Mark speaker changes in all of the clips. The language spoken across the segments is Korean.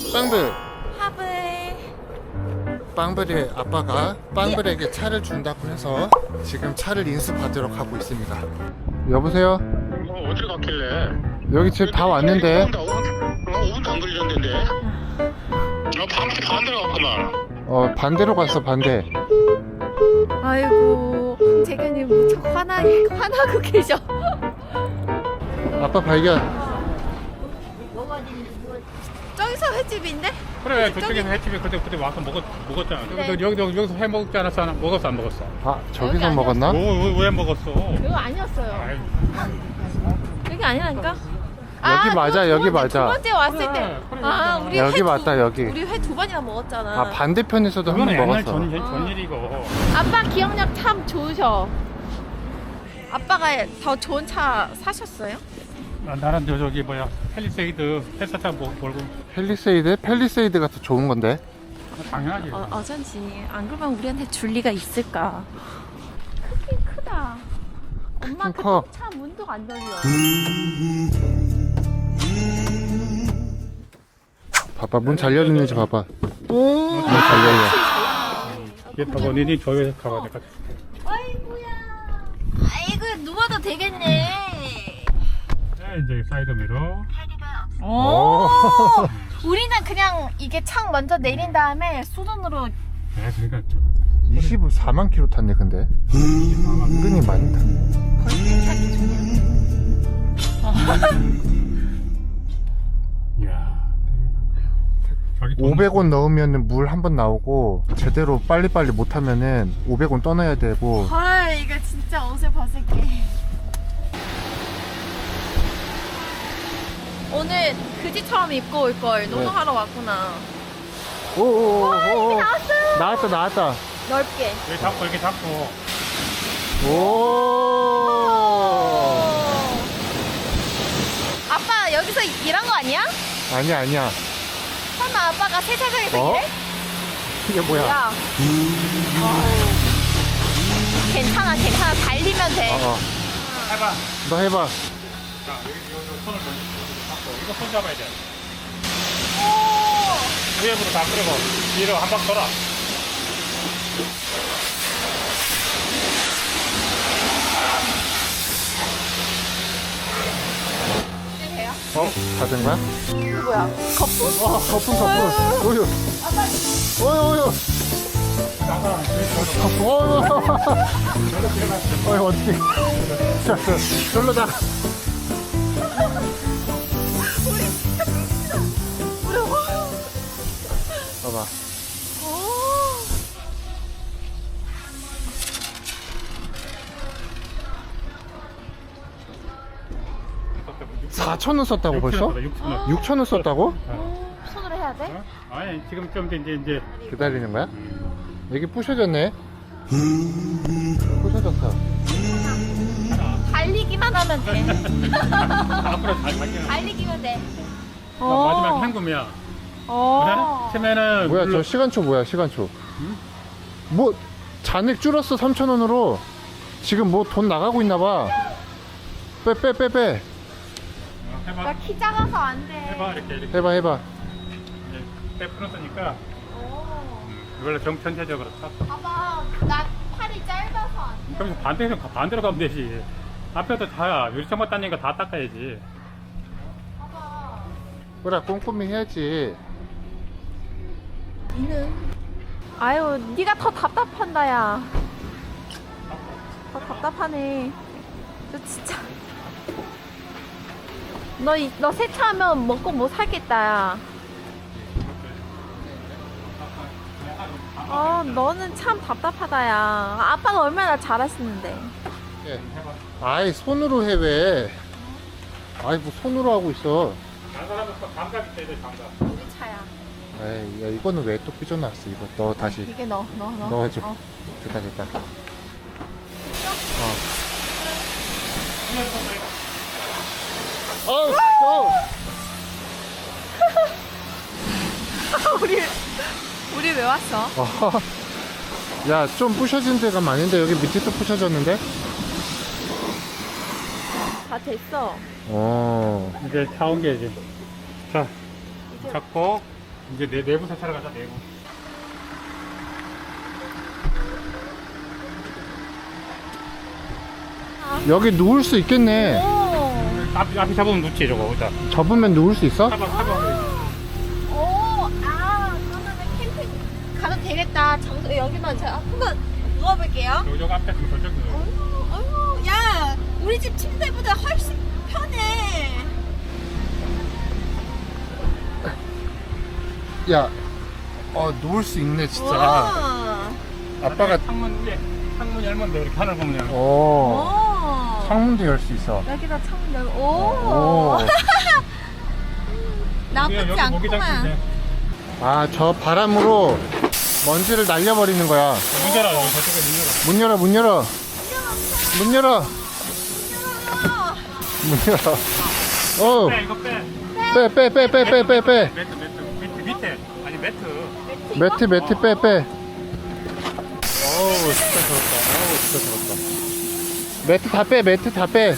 Speaker 1: 빵블.
Speaker 2: 하블.
Speaker 1: 빵블의 아빠가 빵블에게 차를 준다고 해서 지금 차를 인수받으러 가고 있습니다. 여보세요?
Speaker 3: 어디로 갔길래?
Speaker 1: 여기 지금 다 왔는데.
Speaker 3: 5분도 안 걸렸는데. 반대로 갔구만.
Speaker 1: 반대로 갔어, 반대.
Speaker 2: 아이고, 재근님 무척 화나고 계셔.
Speaker 1: 아빠 발견.
Speaker 2: 저기서 횟집인데?
Speaker 4: 그래 저쪽에서 횟집에 그때 와서 먹었잖아.
Speaker 2: 네.
Speaker 4: 여기서 회 먹지 않았어? 먹었어 안 먹었어?
Speaker 1: 아, 저기서
Speaker 2: 여기
Speaker 1: 먹었나?
Speaker 4: 왜 먹었어?
Speaker 2: 이거 아니었어요.
Speaker 4: 아이,
Speaker 2: 여기 아니라니까?
Speaker 1: 여기 맞아,
Speaker 2: 그거
Speaker 1: 여기
Speaker 2: 두
Speaker 1: 맞아.
Speaker 2: 번째 왔을
Speaker 4: 그래,
Speaker 2: 때.
Speaker 4: 그래,
Speaker 2: 아,
Speaker 4: 여기
Speaker 2: 우리
Speaker 1: 여기
Speaker 2: 회
Speaker 1: 맞다, 여기.
Speaker 2: 우리 회 2번이나 먹었잖아.
Speaker 1: 아, 반대편에서도 한
Speaker 4: 그건
Speaker 1: 번
Speaker 4: 옛날
Speaker 1: 먹었어.
Speaker 4: 전일이고.
Speaker 2: 아빠 기억력 참 좋으셔. 아빠가 더 좋은 차 사셨어요?
Speaker 4: 나는 저기 뭐야 펠리세이드 헬스차 몰고
Speaker 1: 펠리세이드가 더 좋은 건데.
Speaker 4: 당연하지.
Speaker 2: 어쩐지 안 그러면 우리한테 줄 리가 있을까? 크긴 크다. 엄마
Speaker 1: 크긴 커.
Speaker 2: 차 문도 안 열려.
Speaker 1: 봐봐, 문 잘 열리는지 봐봐.
Speaker 2: 오.
Speaker 1: 문 잘 열려.
Speaker 4: 얘 타고 니네 조회해서 가봐 내가.
Speaker 2: 아이고야. 아이고 누워도 되겠네.
Speaker 4: 이제 사이드 미러.
Speaker 2: 오. 우리는 그냥 이게 창 먼저 내린 다음에 수동으로.
Speaker 4: 네, 그러니까
Speaker 1: 24만 킬로 탔네, 근데. 은근히 많이 탔네.
Speaker 2: 거의 차기
Speaker 4: 이야. 자기 돈
Speaker 1: 500원 넣으면 물 한 번 나오고, 제대로 빨리빨리 못하면은 500원 떠나야 되고.
Speaker 2: 헐 이거 진짜 옷을 벗을게. 오늘 그지처럼 입고 올 걸 노동하러 왔구나.
Speaker 1: 오오오오.
Speaker 2: 나왔어요.
Speaker 1: 나왔다.
Speaker 2: 넓게.
Speaker 4: 왜 잡고 이렇게 잡고.
Speaker 1: 오.
Speaker 2: 아빠 여기서 일한 거 아니야?
Speaker 1: 아니야.
Speaker 2: 설마 아빠가 세차장에서
Speaker 1: 어?
Speaker 2: 일해?
Speaker 1: 이게 뭐야?
Speaker 2: 야. 괜찮아. 달리면 돼.
Speaker 4: 해봐.
Speaker 1: 너 해봐.
Speaker 4: 자 여기 손을 잡고 이거 손 잡아야 돼.
Speaker 2: 오.
Speaker 4: 위에부터 다 끌고 뒤로 한 방 돌아.
Speaker 2: 이제 돼요?
Speaker 1: 다 된 거야?
Speaker 2: 이거 뭐야? 거품?
Speaker 1: 와, 거품. 오유. 오유. 어휴, 어떻게. 자, 절로 나. 봐봐.
Speaker 2: 오.
Speaker 1: 4,000원 썼다고 벌써? 6,000원 썼다고?
Speaker 2: 오. 손으로 해야 돼?
Speaker 4: 아니 지금 좀 이제
Speaker 1: 기다리는 거야? 여기 부셔졌네. 부셔졌어.
Speaker 2: 달리기만 하면 돼.
Speaker 4: 앞으로 잘 갈게.
Speaker 2: 달리기면 돼.
Speaker 4: 마지막 현금이야.
Speaker 2: 어.
Speaker 4: 치면은
Speaker 1: 뭐야, 저 시간초 뭐야, 시간초. 뭐, 잔액 줄었어, 3,000원으로. 지금 뭐 돈 나가고 있나 봐. 빼.
Speaker 4: 해봐.
Speaker 2: 나 키 작아서 안 돼.
Speaker 4: 해봐 이렇게
Speaker 1: 해봐.
Speaker 4: 이제 빼 풀었으니까
Speaker 2: 오.
Speaker 4: 이걸로 전체적으로 탁.
Speaker 2: 봐봐. 나 팔이 짧아서 안 돼.
Speaker 4: 그럼 반대로 가면 되지. 앞에도 다 유리창만 땄으니까 다 닦아야지.
Speaker 2: 봐봐.
Speaker 1: 그래, 꼼꼼히 해야지.
Speaker 2: 니는? 아유, 네가 더 답답한다, 야. 더 답답하네. 너 진짜. 너 세차하면 먹고 못 살겠다, 야. 너는 참 답답하다, 야. 아빠가 얼마나 잘하시는데.
Speaker 1: 예. 아이, 손으로 해, 왜. 아이, 뭐 손으로 하고 있어.
Speaker 4: 다른 사람은 감각 있어야 돼, 감각.
Speaker 2: 우리 차야.
Speaker 1: 에이, 야, 이거는 왜 또 삐져나왔어, 이거. 너 다시.
Speaker 2: 이게 넣어.
Speaker 1: 넣어줘.
Speaker 2: 어.
Speaker 1: 됐다.
Speaker 2: 우리 왜 왔어?
Speaker 1: 야, 좀 부셔진 데가 많은데 여기 밑에도 부셔졌는데?
Speaker 2: 다 됐어.
Speaker 1: 어.
Speaker 4: 이제 차 옮겨야지. 자, 잡고 이제 내부 세차를 가자, 내부.
Speaker 1: 여기 누울 수 있겠네.
Speaker 4: 앞에 잡으면 놓지, 저거. 일단.
Speaker 1: 접으면 누울 수 있어?
Speaker 4: 사봐.
Speaker 2: 오, 그러면은 캠핑 가도 되겠다. 장소 여기만 제가 한번 누워볼게요.
Speaker 4: 저거 앞에 저쪽.
Speaker 2: 어휴, 야, 우리 집 침대보다 훨씬 편해.
Speaker 1: 야, 누울 수 있네 진짜.
Speaker 2: 와.
Speaker 1: 아빠가
Speaker 4: 창문 위에, 창문 열면 돼. 이렇게 하늘 보면.
Speaker 2: 오.
Speaker 1: 창문도 열 수 있어.
Speaker 2: 여기다 창문 열고.
Speaker 1: 오.
Speaker 2: 나쁘지
Speaker 4: 여기 모기장
Speaker 2: 않구만.
Speaker 4: 있는데.
Speaker 1: 저 바람으로 먼지를 날려버리는 거야.
Speaker 4: 문 열어, 여기 저쪽에 문 열어.
Speaker 1: 문 열어. 문 열어. 문 열어. 어.
Speaker 4: 빼, 이거 빼.
Speaker 1: 빼.
Speaker 4: 매트 밑에. 아니, 매트.
Speaker 1: 매트 빼. 어우 진짜 더럽다. 매트 다 빼. 매트 다 빼.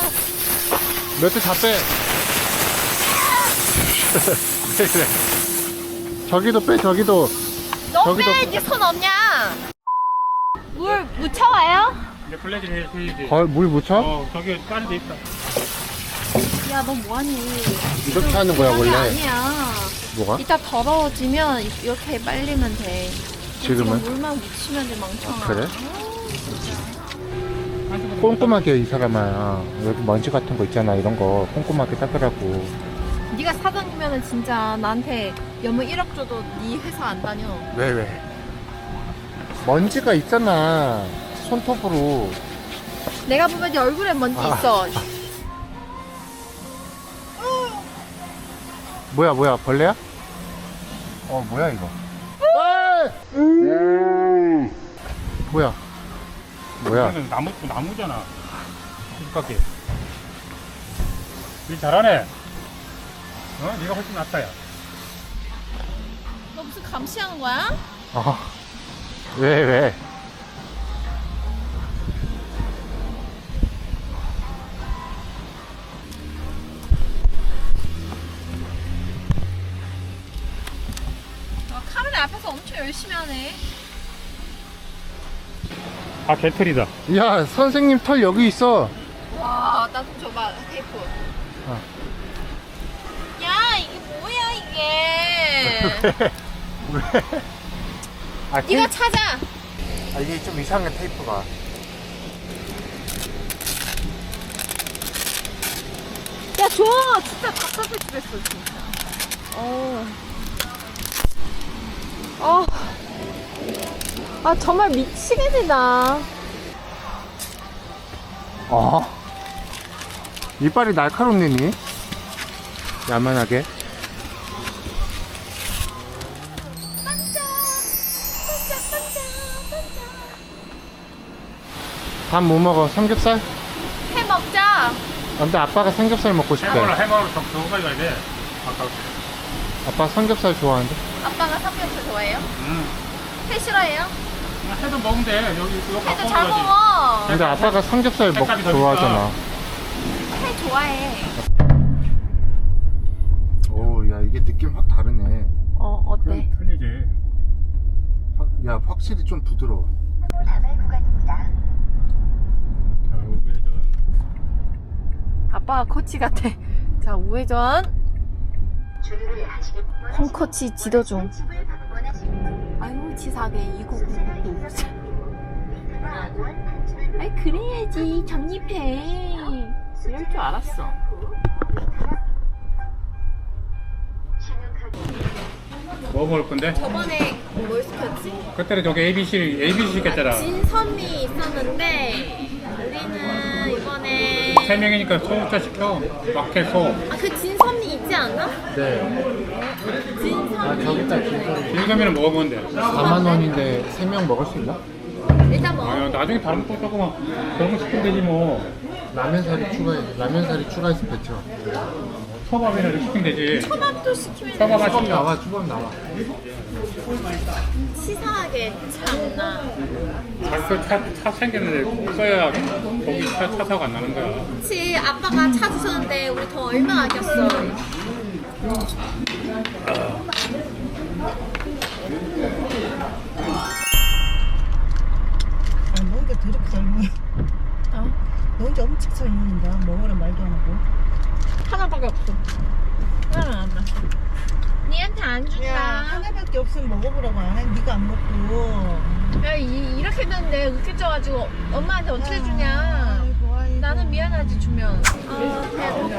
Speaker 1: 저기도 빼.
Speaker 2: 너
Speaker 1: 저기도-
Speaker 2: 빼야지, 손 없냐? 물 묻혀와요?
Speaker 4: 이제 블레진 해야지.
Speaker 1: 물 묻혀?
Speaker 4: 저기 까지 돼 있다.
Speaker 2: 야, 너 뭐하니?
Speaker 1: 이렇게 하는 거야
Speaker 2: 그런 게
Speaker 1: 원래.
Speaker 2: 아니야.
Speaker 1: 뭐가?
Speaker 2: 이따 더러워지면 이렇게 빨리면 돼.
Speaker 1: 지금은?
Speaker 2: 지금 물만 묻히면 돼, 멍청아.
Speaker 1: 그래? 꼼꼼하게 이 사람아. 여기 먼지 같은 거 있잖아. 이런 거 꼼꼼하게 닦으라고.
Speaker 2: 네가 사장이면은 진짜 나한테 연봉 1억 줘도 네 회사 안 다녀.
Speaker 1: 왜? 먼지가 있잖아. 손톱으로.
Speaker 2: 내가 보면 네 얼굴에 먼지
Speaker 1: 아.
Speaker 2: 있어.
Speaker 1: 뭐야 벌레야? 뭐야 이거? 뭐야?
Speaker 4: 이거는 나무잖아. 가깝게. 일 잘하네. 네가 훨씬 낫다, 야.
Speaker 2: 너 무슨 감시하는 거야?
Speaker 1: 왜?
Speaker 2: 너 카메라 앞에서 엄청 열심히 하네.
Speaker 4: 개털이다.
Speaker 1: 야 선생님 털 여기 있어.
Speaker 2: 와, 나 좀 줘봐, 테이프. 야, 이게 뭐야, 이게.
Speaker 1: 왜?
Speaker 2: 네가 찾아.
Speaker 1: 이게 좀 이상해 테이프가.
Speaker 2: 야, 줘. 진짜 답답해 죽겠어, 진짜. 정말 미치겠다.
Speaker 1: 이빨이 날카롭네니. 야만하게. 밥 뭐 먹어? 삼겹살?
Speaker 2: 해 먹자.
Speaker 1: 근데 아빠가 삼겹살 먹고 싶대.
Speaker 4: 해먹으러 저거 가야 돼. 아까.
Speaker 1: 아빠 삼겹살 좋아하는데?
Speaker 2: 아빠가 삼겹살 좋아해요? 회 싫어해요?
Speaker 4: 해도 먹으면 돼. 여기 이거 갖고
Speaker 2: 회도 잘
Speaker 4: 오는 거지.
Speaker 2: 먹어.
Speaker 1: 근데 아빠가 삼겹살
Speaker 4: 색깔이 더
Speaker 1: 좋아하잖아.
Speaker 2: 회 좋아해.
Speaker 1: 오, 야 이게 느낌 확 다르네.
Speaker 2: 어때?
Speaker 4: 틀리지.
Speaker 1: 야 확실히 좀 부드러워.
Speaker 4: 자, 우회전.
Speaker 2: 아빠가 코치 같아. 자, 우회전. 홈코치 지도 중. 아유, 치사하게 2999. 아이, 그래야지. 적립해. 이럴 줄 알았어.
Speaker 4: 뭐 먹을 건데?
Speaker 2: 저번에 뭘 시켰지?
Speaker 4: 그때는 저기 ABC 시켰잖아.
Speaker 2: 진선미 있었는데 우리는 이번에
Speaker 4: 3명이니까 소부터 시켜. 막해소.
Speaker 2: 그 진선미 있지 않나?
Speaker 1: 네.
Speaker 2: 진선미
Speaker 1: 저기 있다 진짜.
Speaker 4: 진감이는 먹으면 돼.
Speaker 1: 4만 원인데 3명 먹을 수 있나?
Speaker 2: 일단 먹어.
Speaker 4: 나중에 다른 거 조금만 그런 거 시키면 되지 뭐.
Speaker 1: 라면사리 추가해서 배쳐.
Speaker 4: 초밥이나 이렇게 시키면 되지.
Speaker 2: 초밥도 시키면
Speaker 4: 초밥만
Speaker 1: 초밥
Speaker 4: 시켜.
Speaker 1: 나와, 초밥 나와.
Speaker 2: 치사하게 참나.
Speaker 4: 차 생겼는데 써야 거기 차 사고 안 나는 거야.
Speaker 2: 그치, 아빠가 차 주셨는데 우리 돈 얼마 아꼈어. 하나밖에 없어. 하나만. 니한테 안
Speaker 5: 야,
Speaker 2: 준다.
Speaker 5: 하나밖에 없으면 먹어보라고 안 해. 네가 안 먹고.
Speaker 2: 야, 이렇게 됐는데 웃겨져가지고 엄마한테 어떻게 주냐.
Speaker 5: 아이고, 아이고.
Speaker 2: 나는 미안하지 주면. 아,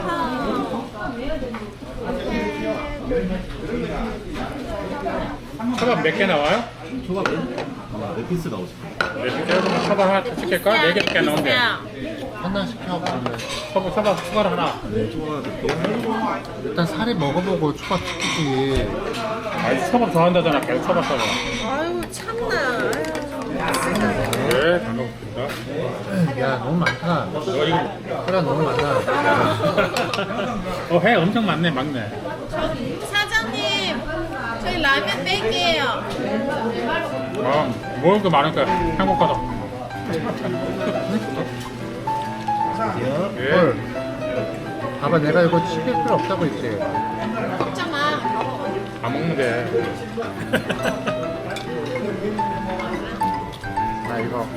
Speaker 2: 배고파.
Speaker 4: 초밥 몇 개 나와요?
Speaker 6: 초밥은? 네 피스 나오실 거예요.
Speaker 4: 네 개. 초밥 하나 더 시킬까? 4개밖에 안 나온대.
Speaker 1: 하나 시켜 그러면.
Speaker 4: 초밥 추가로 하나.
Speaker 6: 네, 초밥 하나 드릴게요.
Speaker 1: 일단 살이 먹어보고 초밥 시키지.
Speaker 4: 아이 초밥 좋아한다잖아. 계속 초밥 사고.
Speaker 5: 아이고, 참나.
Speaker 4: 네, 잘 먹겠습니다.
Speaker 1: 야 너무 많다.
Speaker 4: 너 이거
Speaker 1: 사람 너무 많아.
Speaker 4: 회 엄청 많네, 막내.
Speaker 2: 사장님, 저희 라면 뺄게요.
Speaker 4: 먹을 거 많으니까 행복하다. 예.
Speaker 1: 헐. 봐봐 내가 이거 시킬 필요 없다고 했지.
Speaker 2: 먹자 마.
Speaker 4: 다 먹는데.
Speaker 1: 아 이거.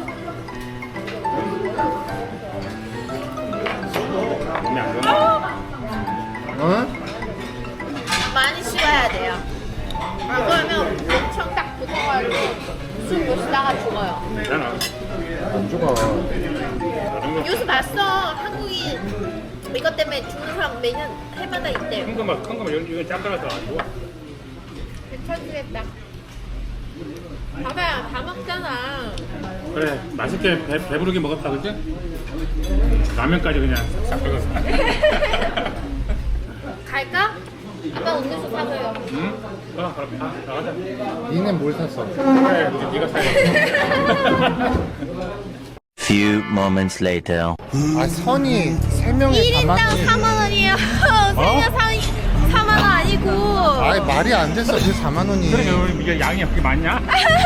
Speaker 4: 몸이 안 좋나?
Speaker 1: 응?
Speaker 2: 많이 씹어야 돼요. 안 그러면 엄청 딱 붙어가지고 숨 못 쉬다가 죽어요.
Speaker 4: 괜찮아.
Speaker 1: 안 죽어.
Speaker 2: 뉴스 봤어. 한국인 이것 때문에 죽는 사람 매년 해마다 있대.
Speaker 4: 큰 거만 이건 짬들어서 안 좋아.
Speaker 2: 괜찮겠다. 봐봐요, 다 먹잖아.
Speaker 4: 그래, 맛있게 배부르게 먹었다, 그치? 라면까지 그냥 싹 빼갔어.
Speaker 2: 갈까? 아빠 음료수 사줘요.
Speaker 4: 응? 그럼 나가자.
Speaker 1: 니는 뭘 샀어?
Speaker 4: 그래, 이제 네가 사야겠다.
Speaker 7: Few moments later.
Speaker 1: 아 선이 3명에
Speaker 2: 1인당
Speaker 1: 4만
Speaker 2: 4만 원이에요. 생일 4만 원 아니고.
Speaker 1: 아이 말이 안 됐어 그 4만 원이.
Speaker 4: 그래, 이게 양이 그렇게 많냐?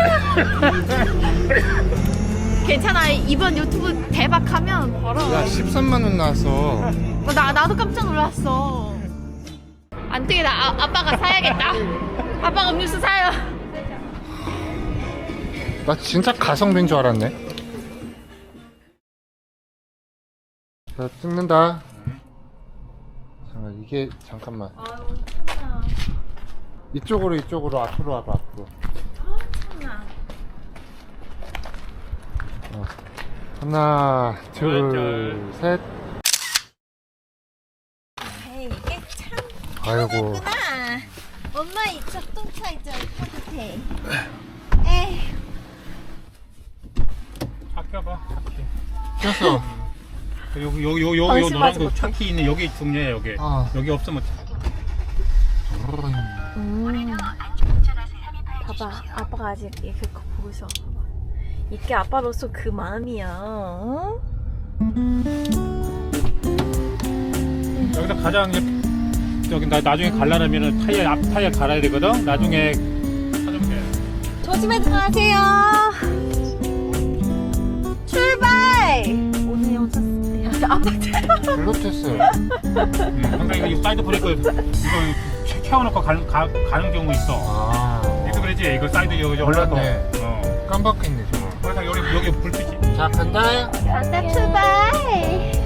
Speaker 2: 괜찮아. 이번 유튜브 대박하면 벌어.
Speaker 1: 야 13만 원 나왔어.
Speaker 2: 나도 깜짝 놀랐어. 안 되겠다. 아빠가 사야겠다. 아빠가 음료수 사요.
Speaker 1: 나 진짜 가성비인 줄 알았네. 자 찍는다. 잠깐 이게 잠깐만.
Speaker 2: 아유, 참나.
Speaker 1: 이쪽으로 앞으로 와봐 앞으로.
Speaker 2: 참나.
Speaker 1: 하나 둘 셋.
Speaker 2: 이게 참
Speaker 1: 아이고.
Speaker 2: 그렇구나. 엄마 이쪽 똥차 있잖아. 따뜻해. 에이.
Speaker 4: 아껴봐.
Speaker 1: 꼈어.
Speaker 4: 여기
Speaker 2: 방심하지
Speaker 4: 노란 거
Speaker 2: 못해.
Speaker 4: 차키 있는 여기 중요해, 여기.
Speaker 1: 아.
Speaker 4: 여기 없으면
Speaker 2: 봐봐, 아빠가 아직 그거 보고 있어. 봐봐. 이게 아빠로서 그 마음이야. 어?
Speaker 4: 여기서 가장 저기 나중에 갈라면은 앞 타이어 갈아야 되거든. 나중에 사주면 돼.
Speaker 2: 조심해 들어가세요. 출발. 오늘 영상 아빠
Speaker 1: 블루투스.
Speaker 4: 항상 이거 사이드 브레이크 이거 채워놓고 가는 경우 있어.
Speaker 1: 아.
Speaker 4: 이거 그러지. 이거 사이드 여기 올라서.
Speaker 1: 몰랐네. 깜빡했네 저거.
Speaker 4: 그래서 여기 불빛이.
Speaker 1: 자 간다.
Speaker 2: 간다 출발.